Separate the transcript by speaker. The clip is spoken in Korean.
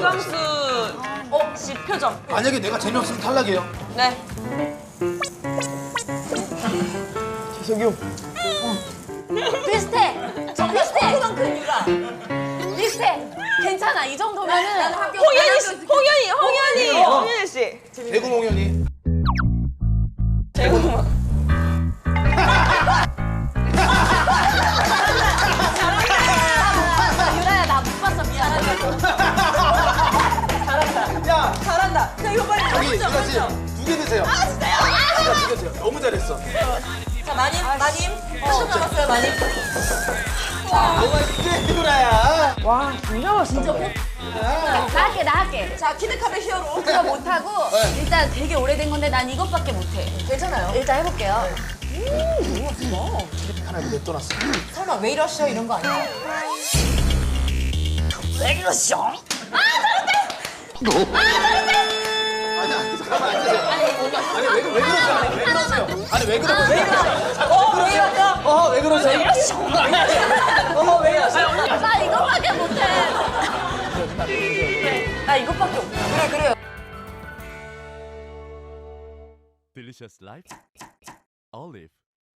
Speaker 1: 김광수 씨 표정.
Speaker 2: 만약에 내가 재미없으면 탈락이에요.
Speaker 1: 네.
Speaker 3: 비슷해. 저 비슷해. 그만큼 유라. 비슷해. 괜찮아. 이 정도면은
Speaker 1: 홍현희 씨, 홍현희 씨.
Speaker 2: 대구몽현이.
Speaker 3: 유라야 나 못 봤어. 미안해.
Speaker 2: 야,
Speaker 1: 잘한다. 자, 이거 빨리.
Speaker 2: 저기 유라 씨, 2개 드세요. 아, 진짜요? 2개 드세요. 너무 잘했어.
Speaker 1: 자, 마님. 한점 남았어요, 마님.
Speaker 2: 뭐가 있지, 유라야?
Speaker 1: 와, 진짜
Speaker 3: 진짜 꼭. 나 할게.
Speaker 1: 자, 키드컵의 히어로.
Speaker 3: 그거 못하고 일단 되게 오래된 건데 난 이것밖에 못해.
Speaker 1: 괜찮아요.
Speaker 3: 일단 해볼게요.
Speaker 2: 하나 냅둬놨어.
Speaker 1: 설마 왜 이러셔 이런 거 아니야?
Speaker 3: 왜 이러시오?
Speaker 2: 아니, 잠깐만 앉으세요. 아니, 왜 그러세요? 아니, 왜 그러세요?
Speaker 1: 왜 이러셔?
Speaker 2: 왜 그러세요?
Speaker 1: 왜 이러셔?
Speaker 3: 나 이것밖에 못해. 나 이것밖에 못해.
Speaker 1: 그래요.
Speaker 4: Delicious Life Olive